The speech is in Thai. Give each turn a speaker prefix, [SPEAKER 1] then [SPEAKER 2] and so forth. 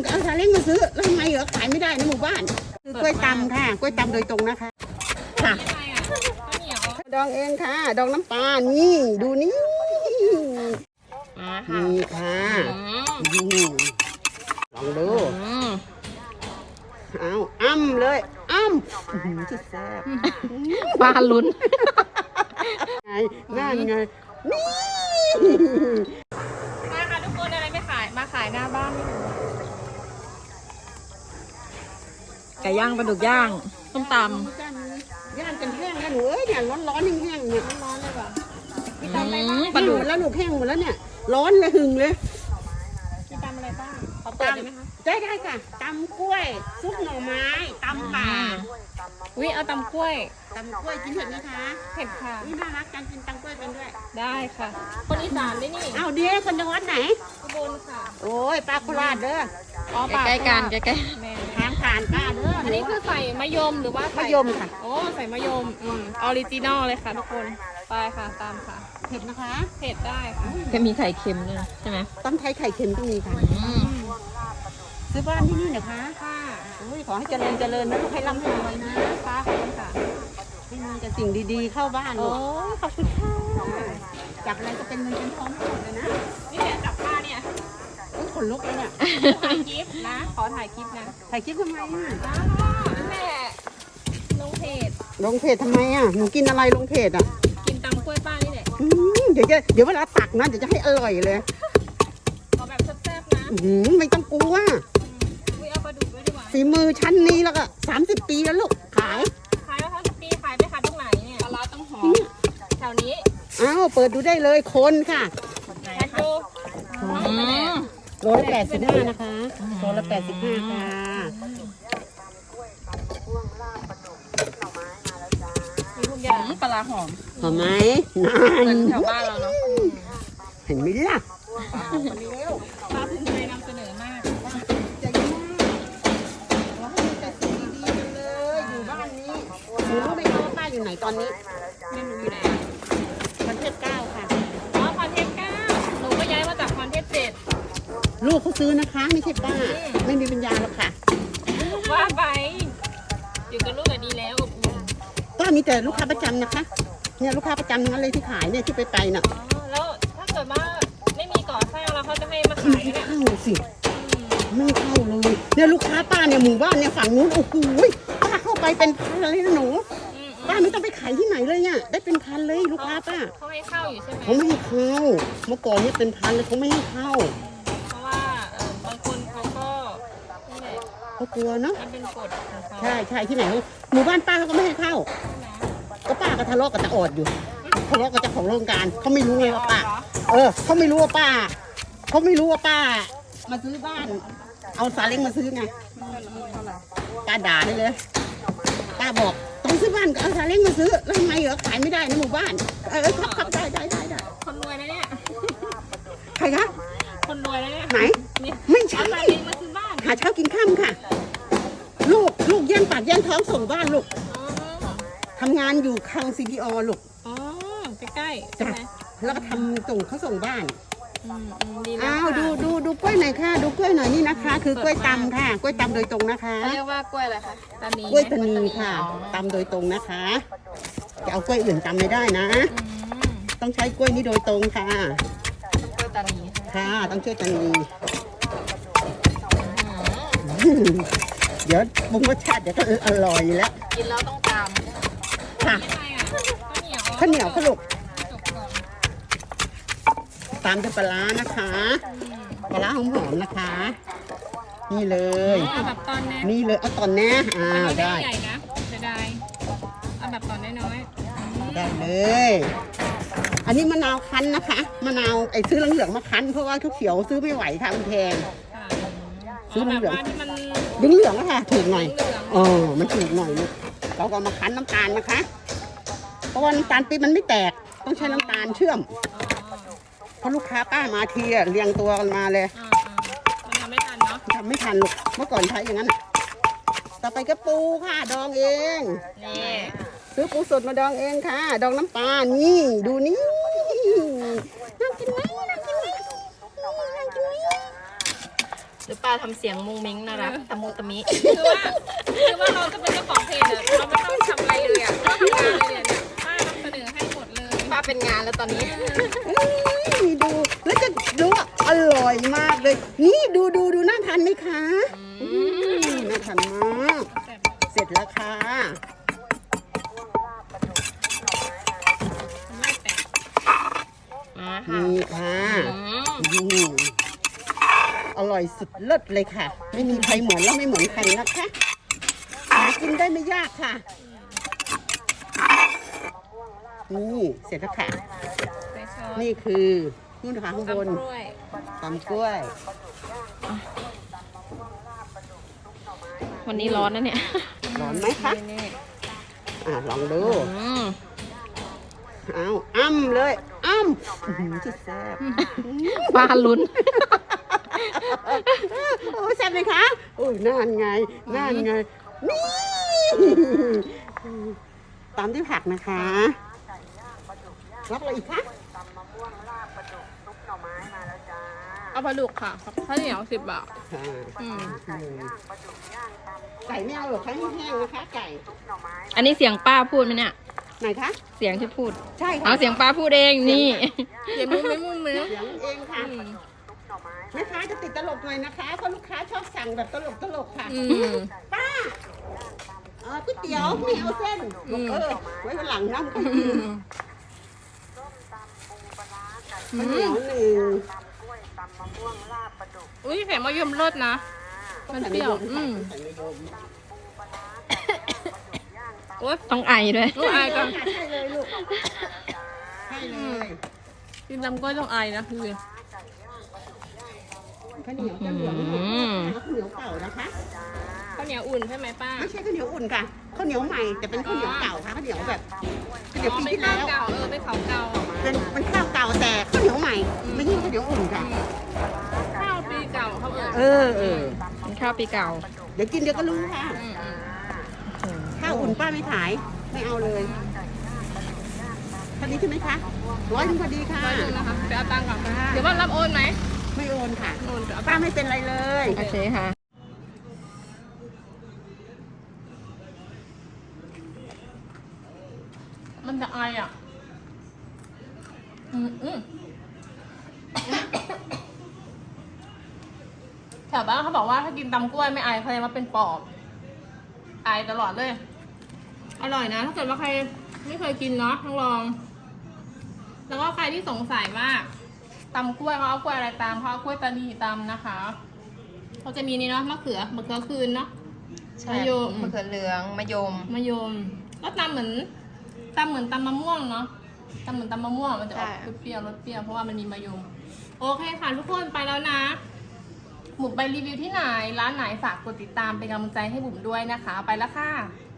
[SPEAKER 1] ก็เอาซาเล้งมาซื้อแล้วทำไมเหรอขายไม่ได้ในหมู่บ้านคือกล้วยตำค่ะกล้วยตำโดยตรงนะคะค่ะดองเองค่ะดองน้ำปลานี่ดูนี่นี่ค่ะลองดูเอาอ้ำเลยอ้ำที่แซ่บ
[SPEAKER 2] ปลาลุ้น
[SPEAKER 1] ไงนั่นไงนี่
[SPEAKER 2] มาค่ะทุกคนอะไรไม่ขายมาขายหน้าบ้านไก่ย่างปลาดุกย่างส้มตำ
[SPEAKER 1] ย่างกันแห้งแล้วหนูเอ้ยเนี่ยร้อนแห้งๆเนี่ยร้อนเลยว่ะ
[SPEAKER 2] ปลาดุก
[SPEAKER 1] แล้วหนูแห้งหมดแล้วเนี่ยร้อนเลยหึงเลย
[SPEAKER 2] มีตำอะไรบ้างขอเปิดได้ไหมคะ
[SPEAKER 1] ได้ค่ะตำกล้วยซุปหน่อไม้ตำป่า
[SPEAKER 2] วิเอาตำกล้วย
[SPEAKER 1] ตำกล้วยกินเผ็ดไหมคะ
[SPEAKER 2] เผ็ดค่ะ
[SPEAKER 1] นี่น่ารักการกินตำกล้วยเป็นด้วย
[SPEAKER 2] ได้ค่ะ คนอีสานได้นี่
[SPEAKER 1] เอาเดี๋ยวคนจังหวัดไหน
[SPEAKER 2] อุบลค่ะ
[SPEAKER 1] โอ้ยปลาโคราชเด้อ
[SPEAKER 2] อ๋อใกล้ๆกันใกล้ๆ
[SPEAKER 1] ทางผ่านป้าเด้อ
[SPEAKER 2] อันนี้คือใส่มะยมหรือว่าใส่
[SPEAKER 1] มะยมค่ะ
[SPEAKER 2] โอ้ใส่มะยมออริจินอลเลยค่ะทุกคนไปค่ะตามค่ะ
[SPEAKER 1] เผ็ดนะคะ
[SPEAKER 2] เผ็ดได้ค่ะจะมีไข่เค็มด้วยใช่ไหม
[SPEAKER 1] ตำไทยไข่เค็มก็มีค่ะซื้อบ้านที่นี่เหรอคะ
[SPEAKER 2] ค่ะ
[SPEAKER 1] โอ้ยขอให้เจริญเจริญนะลูกให้ร่ำให้รวยนะ
[SPEAKER 2] ค่ะขอบคุณค่ะ
[SPEAKER 1] ให้มีแต่สิ่งดีๆเข้าบ้านลู
[SPEAKER 2] โอ้
[SPEAKER 1] ก
[SPEAKER 2] ขอบคุณค่ะ
[SPEAKER 1] จับอะไรก็เป็นเงินเป็นทองหมดเลยนะ
[SPEAKER 2] นี่แหละจับผ้าเนี่ย
[SPEAKER 1] อุ๊ยขนลุกเลยเนี่ย
[SPEAKER 2] ถ่ายคลิปนะขอถ่ายคลิปนะ
[SPEAKER 1] ถ่ายคลิปทำไมอ่ะ
[SPEAKER 2] นั่นแหละลงเพจ
[SPEAKER 1] ลงเพจทำไมอ่ะหนูกินอะไรลงเพจอ่ะ
[SPEAKER 2] กินตำกล้วยป้านี่แหละ
[SPEAKER 1] เดี๋ยวเวลาตักนะเดี๋ยวจะให้อร่อยเลย
[SPEAKER 2] ขอแบบแซ่บๆนะ
[SPEAKER 1] ไม่ต้องกลัว
[SPEAKER 2] อุ้ยเอาปลาดุกด้วยดีกว่า
[SPEAKER 1] ฝีมือชั้นนี้แล้วก็30 ปีแล้วลูกขาย
[SPEAKER 2] ขายแล้วทั้งปีขายไปขายตรงไหนเนี่ยปลาร้าต้องหอมแถวนี้
[SPEAKER 1] อ้าวเปิดดูได้เลยคนค่ะ
[SPEAKER 2] แพ็คดู
[SPEAKER 1] โลละ85นะคะโลละ85ค่ะ
[SPEAKER 2] มีทุกอย่างปลาร้าหอม
[SPEAKER 1] หอมไหมนาน
[SPEAKER 2] แถวบ้านเราเนาะ
[SPEAKER 1] เห็นไหมล่ะ
[SPEAKER 2] ปลาพื้นไทยนำเสนอมาก
[SPEAKER 1] ใจมากเราให้มีแต่สิ่งดีๆกันเลยอยู่บ้านนี้หนูรู้ไหมคะว่าป้าอยู่ไหนตอนนี้
[SPEAKER 2] ไม่รู้อยู่ไหน
[SPEAKER 1] ประเทศ9ค่ะ
[SPEAKER 2] อ๋อคอนเทนต์9หนูก็ย้ายมาจากคอนเทนต์7
[SPEAKER 1] ลูกเขาซื้อนะคะ ไม่ใช่ป้า ไม่มีปัญญาหรอกค่ะ
[SPEAKER 2] ว่าไปอยู่กับลูกแบบนี้แล้วอบอุ่น
[SPEAKER 1] ป้ามีแต่ลูกค้าประจำนะคะ เนี่ยลูกค้าประจำทั้งนั้นเลยที่ขายเนี่ยที่ไปน่ะ
[SPEAKER 2] อ๋อแล้วถ้าเกิดว่าไม่มีก่อสร้างแล้วเขาจะให้มาขาย
[SPEAKER 1] ไม่
[SPEAKER 2] เนี่ย
[SPEAKER 1] เข้าสิไม่เข้าเลยเนี่ยลูกค้าป้าเนี่ยหมู่บ้านเนี่ยฝั่งนู้นโอ้โหป้าเข้าไปเป็นพันเลยนะหนูป้าไม่ต้องไปขายที่ไหนเลยเนี่ยได้เป็นพันเลยลูกค้าป้า
[SPEAKER 2] เขาให้เข้าอยู่ใช่ไหม
[SPEAKER 1] เขาไม่ให้เข้าเมื่อก่อนเนี่ยเป็นพันเลยเขาไม่ให้เข้า
[SPEAKER 2] เพราะว่าบางคนเขาก็นี่แหละ
[SPEAKER 1] เขากลัวเนาะ
[SPEAKER 2] มันเป็นกฎของเขา
[SPEAKER 1] ใช่ที่ไหนหมู่บ้านป้าเขาก็ไม่ให้เข้า ก็ป้าก็ทะเลาะกับตาออดอยู่ทะเลาะกับเจ้าของโรงการเขาไม่รู้ไงว่าป้าเขาไม่รู้ว่าป้าเขาไม่รู้ว่าป้ามาซื้อบ้าน เอาซาเล้งมาซื้อไงป้าด่าได้เลยป้าบอกต้องซื้อบ้านก็เอาซาเล้งมาซื้อแล้วทำไมเหรอขายไม่ได้ในหมู่บ้านครับได้
[SPEAKER 2] คนรวยนะเนี่ย
[SPEAKER 1] ใครคะ
[SPEAKER 2] คนรวยนะเนี่ย
[SPEAKER 1] ไหน
[SPEAKER 2] เนี่ย
[SPEAKER 1] ไม่
[SPEAKER 2] เอา
[SPEAKER 1] ใช่
[SPEAKER 2] ซาเล้งมาซื้อบ้าน
[SPEAKER 1] หาเช้ากินข้ามค่ะ ลูกแย่งปากแย่งท้องส่งบ้านลูก
[SPEAKER 2] อ๋อ
[SPEAKER 1] ทำงานอยู่คลัง CPO ลูก
[SPEAKER 2] อ๋อใกล้ๆใช่
[SPEAKER 1] จ้ะ
[SPEAKER 2] ไหม
[SPEAKER 1] แล้วก็ทำส่งเขาส่งบ้าน
[SPEAKER 2] ดีแล้ว
[SPEAKER 1] อ้าว
[SPEAKER 2] ค่ะ
[SPEAKER 1] ดูกล้วยหน่อยค่ะ ดูกล้วยหน่อยนี่นะคะ คือกล้วยตำค่ะ กล้วยตำโดยตรงนะคะ
[SPEAKER 2] เขาเรียกว่ากล้วยอะไรคะตานี
[SPEAKER 1] กล้วยตานีค่ะ
[SPEAKER 2] อ๋อ
[SPEAKER 1] ตำโดยตรงนะคะ จะเอากล้วยอื่นตำไม่ได้นะ ต้องใช้กล้วยนี้โดยตรงค่ะ
[SPEAKER 2] กล้วยตานี
[SPEAKER 1] ค่ะ ต้องช่วยตานีเดี๋ยวปรุงรสชาติเดี๋ยวก็อร่อยแล้ว
[SPEAKER 2] กินแล้วต้องตาม
[SPEAKER 1] ค่ะ
[SPEAKER 2] อะไรอ่ะข้าวเหนียว
[SPEAKER 1] ข้าวเหนียวค่ะลูก
[SPEAKER 2] จบก่อน
[SPEAKER 1] ตามด้วยปลาร้านะคะปลาร้าหอมๆนะคะ นี่เลย
[SPEAKER 2] เอาแบบตอนแน่
[SPEAKER 1] นี่เลยเอาตอนแน่
[SPEAKER 2] อันนี้ไม่
[SPEAKER 1] ได้
[SPEAKER 2] ใหญ่นะจะได้เอาแบบตอนน้อย
[SPEAKER 1] ได้เลย อันนี้มะนาวคั้นนะคะ มะนาวไอ้ซื้อเหลืองๆมาคั้นเพราะว่าเขียวๆซื้อไม่ไหวค่ะมันแพง
[SPEAKER 2] ๆค่ะ
[SPEAKER 1] ซื้อ
[SPEAKER 2] แบบ
[SPEAKER 1] เหลือง
[SPEAKER 2] ว่าที่มัน
[SPEAKER 1] เหลืองๆอะค่ะถูกหน่อย
[SPEAKER 2] เหลือง
[SPEAKER 1] มันถูกหน่อยลูกเราก็มาคั้นน้ำตาลนะคะ เพราะว่าน้ำตาลปี๊บมันไม่แตก ต้องใช้น้ำตาลเชื่อม เพราะลูกค้าป้ามาทีอะเรียงตัวกันมาเลย
[SPEAKER 2] มันทำไม่ทันเนาะ
[SPEAKER 1] ทำไม่ทันลูก เมื่อก่อนใช้อย่างนั้น ต่อไปก็ปูค่ะ ดองเอง
[SPEAKER 2] นี่
[SPEAKER 1] ซื้อปูสดมาดองเองค่ะ ดองน้ำปลา นี่ ดูนี่น่ากินไหมน่ากินไหมน่ากินไหม
[SPEAKER 3] รือป้าทำเสียงมุงมิ้งน่ารักตะมุตะมิ
[SPEAKER 2] คือว่าเราจะเป็นเจ้าของเพจอะเราไม่ต้องทำอะไรเลยอะเราทำงานเลยเนี่ยป้านำเสนอให้หมดเลย
[SPEAKER 3] ป้าเป็นงานแล้วตอนนี้
[SPEAKER 1] ดูแล้วจะดูว่าอร่อยมากเลย นี่ดูน่าทานไหมคะน่าทานมาก เสร็จแล้วค่ะ
[SPEAKER 3] มาค่ะ
[SPEAKER 1] นี่ค่ะอร่อยสุดเลิศเลยค่ะ ไม่มีใครเหมือนแล้วไม่เหมือนใครนะคะหากินได้ไม่ยากค่ะ นี่เสร็จแล้วค่ะ
[SPEAKER 2] ใส่ซอส
[SPEAKER 1] นี่คือนู่นค่ะข้างบน
[SPEAKER 2] ตำกล้วย
[SPEAKER 1] ตำกล้วย
[SPEAKER 3] วันนี้ร้อนนะเนี่ย
[SPEAKER 1] ร้อนไหมคะ
[SPEAKER 3] นี่
[SPEAKER 1] ลองดู
[SPEAKER 3] อืม
[SPEAKER 1] เอาอ้ำเลยอ้ำที่แซ่บ
[SPEAKER 3] ป้าลุ้น
[SPEAKER 1] โอ้แซ่บไหมคะโอ้ยนั่นไงนี่ตามด้วยผักนะคะรับอะไรอีกคะ
[SPEAKER 2] เอาปลาดุกค่ะข้าวเหนียว10 บาท
[SPEAKER 1] ค่ะ
[SPEAKER 2] อืม
[SPEAKER 1] ไก่ไม่เอาหรอกคะแห้งๆนะคะไก่
[SPEAKER 3] อันนี้เสียงป้าพูดไหมเนี่ย
[SPEAKER 1] ไหนคะ
[SPEAKER 3] เสียงที่พูด
[SPEAKER 1] ใช่ค่ะ
[SPEAKER 3] เอาเสียงป้าพูดเองนี่
[SPEAKER 2] เดี๋ยวมุ้งมิ้ง
[SPEAKER 1] เสียงเองค่ะ
[SPEAKER 2] อืม
[SPEAKER 1] แม่ค้าจะติดตลกหน่อยนะคะเพราะลูกค้าชอบสั่งแบบตลกค่ะ
[SPEAKER 2] อืม
[SPEAKER 1] ป้าก๋วยเตี๋ยวไม่เอาเส้นบอกไว้วันหลังน้ำกัน
[SPEAKER 2] อืม
[SPEAKER 1] ข้าวเหนียวหนึ่ง
[SPEAKER 2] อุ้ยแข็มะยมรสนะ มันเปรี้ยว
[SPEAKER 1] ใส่มะยม
[SPEAKER 2] โอ๊ย
[SPEAKER 3] ต้องไอด้วย
[SPEAKER 2] ลูกอายจัง
[SPEAKER 1] ใช่เลยลูกใช่เลย
[SPEAKER 2] กินตำกล้วยต้องอายนะคือ
[SPEAKER 1] ข้าวเหนียวจะเหลืองหน่อยข้าวเหนียวเก่านะคะ
[SPEAKER 2] ข้าวเหนียวอุ่นใช่ไหมป้า
[SPEAKER 1] ไม่ใช่ข้าวเหนียวอุ่นค่ะข้าวเหนียวใหม่แต่เป็นข้าวเหนียวเก่าค่ะข้าวเหนียวแบบข้าวเหนียวปี
[SPEAKER 2] ไม่
[SPEAKER 1] ที่
[SPEAKER 2] ข้า
[SPEAKER 1] แล้ว ว
[SPEAKER 2] เก่าไม่เขาเก่า
[SPEAKER 1] เป็นข้าวเก่าแต่ข้าวเหนียวใหม่ ไม่ใช่ข้าวเหนียวอุ่นค่ะ
[SPEAKER 2] ข้าวปีเก่าเขาเอ่ย
[SPEAKER 1] เออ
[SPEAKER 3] เป็นข้าวปีเก่า
[SPEAKER 1] เดี๋ยวกินเดี๋ยวก็รู้ค่ะ ข้าวอุ่นป้าไม่ขาย ไม่เอาเลยพอดีใช่ไหมคะ100พอดีค่ะ
[SPEAKER 2] ไปดูนะคะไปเอาตังค์ก่อนเดี๋ยวว่ารับโอนไหม
[SPEAKER 1] ไม่โอนค่ะ
[SPEAKER 2] โอนเดี๋ยวเอาตั
[SPEAKER 1] ป้าง
[SPEAKER 2] ค์
[SPEAKER 1] ไม่เป็นไรเลย
[SPEAKER 3] โอเคค่ะ
[SPEAKER 2] มันจะอายอ่ะแถวบ้านเขาบอกว่าถ้ากินตำกล้วยไม่อายแสดงว่าเป็นปอบอายตลอดเลย อร่อยนะ ถ้าเกิดว่าใครไม่เคยกินเนาะต้องลอง แล้วก็ใครที่สงสัยว่าตำกล้วยเขาเอากล้วยอะไรตามเขาเอากล้วยตานีตำนะคะเขาจะมีนี่เนาะมะเขือคืนเนาะ
[SPEAKER 3] ใช่
[SPEAKER 2] มะยม
[SPEAKER 3] มะเขือเหลืองมะยม
[SPEAKER 2] มะยมก็ตำเหมือนตำมะม่วงเนาะตำเหมือนตำมะม่วงมันจะออก
[SPEAKER 3] ใช่
[SPEAKER 2] เปรี้ยวๆรสเปรี้ยวเพราะว่ามันมีมะยมโอเคค่ะทุกคนไปแล้วนะบุ๋มไปรีวิวที่ไหนร้านไหนฝากกดติดตามเป็นกำลังใจให้บุ๋มด้วยนะคะ ไปแล้วค่ะ